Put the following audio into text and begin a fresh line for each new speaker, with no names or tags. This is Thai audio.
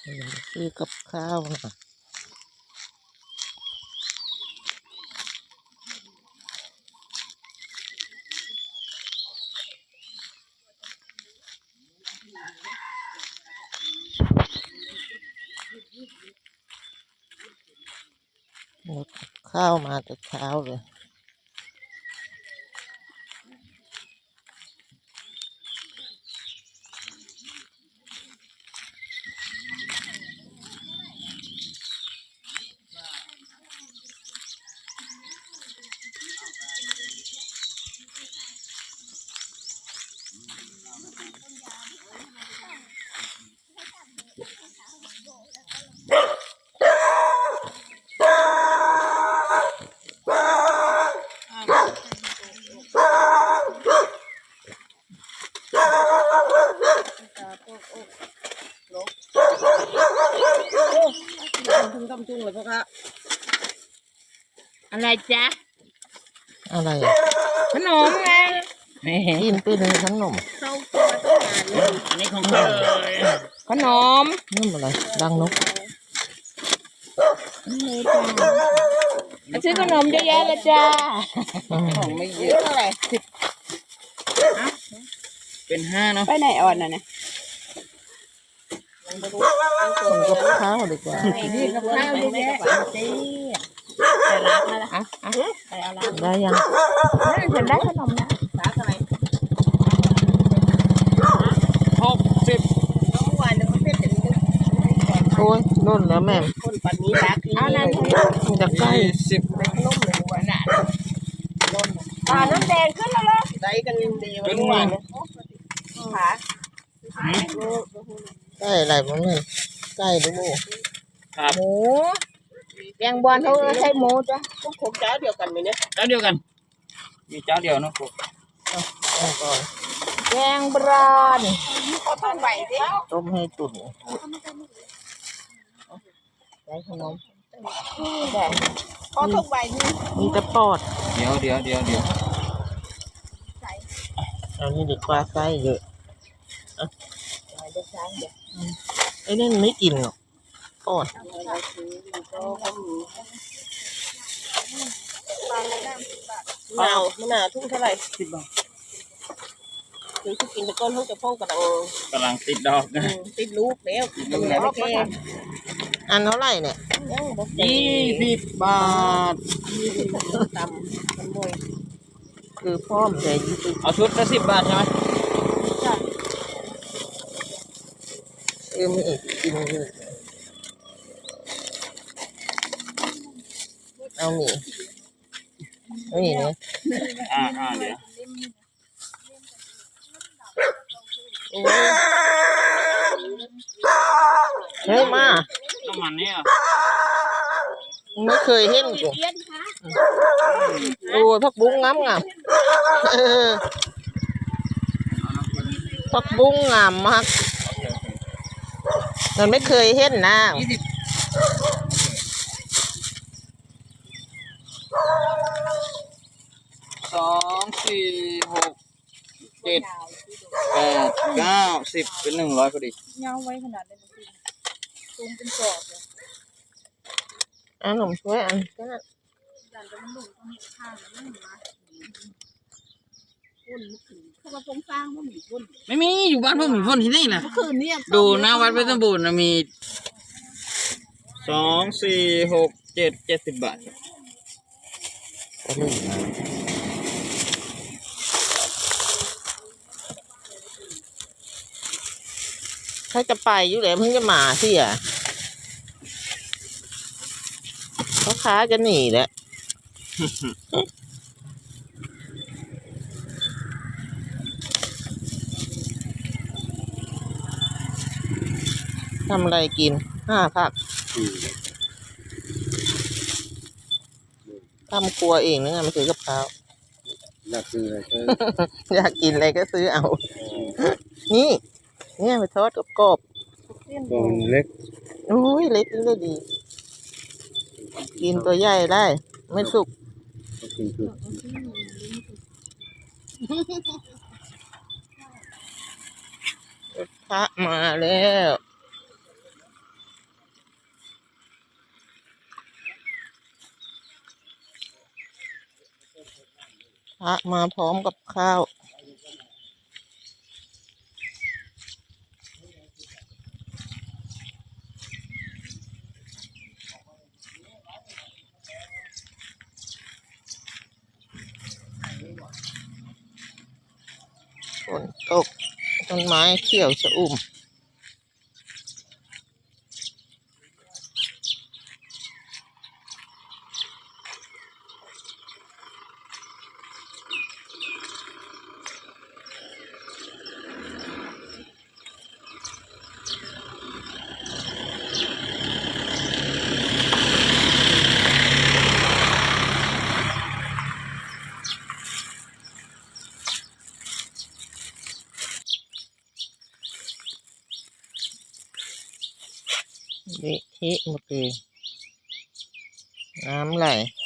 ซื้อกับข้าวนะหมดกับข้าวมาแต่เช้าเลยถึงกำจุงเลยพ่อคะ
อะไรจ๊ะ
อะไร
ขนมไง
กินเป็นขนม
เข้าตัวต้องการเลยอันนี้ของเธอขนม
นี่อะไรดังนก
นี่จ้าซื้อขนมเยอะแยะเลยจ้า
ของไม่เยอะ
เท่าไหร่10
เป็น5เนาะ
ไปไหนอ่อนน่ะนะ
กินกับข้าวดีกว่า
นี่กับข้าวเยอะแยะแต่ร้านอะไรแต่เอาร้าน
ได้ยัง
ฉันได้ขนมนะร้านอะไร60น้องหวานเดี๋ยวเขาเต้น
โอ้ยนุ่นแล้วแม่
คนปันนี้รักเอานั่น
มันจะใกล้
10เป็นขนมเลยหวานน่ะน้ำแดงขึ้นแล้วเหรอได้กันดีวันนี้หวานขา
ใกล้อะไรบ้างเนี่ยใกล้ดู
หมูแกงบอลเขาใช้หมูจ้ะพวกผมเจ้าเดียวกันไหมเนี่ย
เจ้าเดียวกันมีเจ้าเดียวนะผม
แกงบรอน
เขาต้มใบดิ
ต้มให้ตุ๋นได้ขนม
แดงเขาต้มใบนี่
มีแต่ปอด
เดี๋ยว
เอานี่ดีกว่าไส้เยอะไอ้นี่ไม่กินหรอกปอด
มะนาวทุ่งเท่าไหร่10 บาทคือกินตะก้นเขาจะพ่งก
ำลังติดดอกนะ
ติดลูกแล้วมันแล้วไม่แก่
อันเท่าไหร่เนี่ย
20 บาท
ตำมันมวย
คือพร้อมแต่
เอาชุดละ10 บาทใช่ไหม
มีอีกกินเลยเอาหมี่เนี่ย
เดี๋ยว
เฮ้ยมา
น้ำมันนี่อ่ะ
ไม่เคยเห็นกูโอ้พักบุ้งงามพักบุ้งงามมากมันไม่เคยเห็นนะ
2 4 6 7 8 9 10เป็น100พอดี
เงาไว้ขนาดนี้ตูมเป็นกรอบเลย
ขนมช่วยอันก็
ไม่มีอยู่บ้านพวกมีพ่นที่นี่นะดูหน้าวัดเพชรบูรณ์นะมี2 4 6 7 70 บาท
ถ้าจะไปอยู่แล้วเพิ่งจะมาสิอ่ะพ่อค้าจะหนีแหละทำอะไรกิน5 ผักทำครัวเองนะไม่ซื้อกับข้าว
อยากซื้ออะไรก็
อยากกินอะไรก็ซื้อเอานี่ไปทอดกรอบ
ตัวเล็ก
โอ้ยเล็กเลยดีกินตัวใหญ่ได้ไม่สุกพระมาแล้วพระมาพร้อมกับข้าวฝนตกต้นไม้เขียวชอุ่มเละเทะหมดเลยน้ำไหล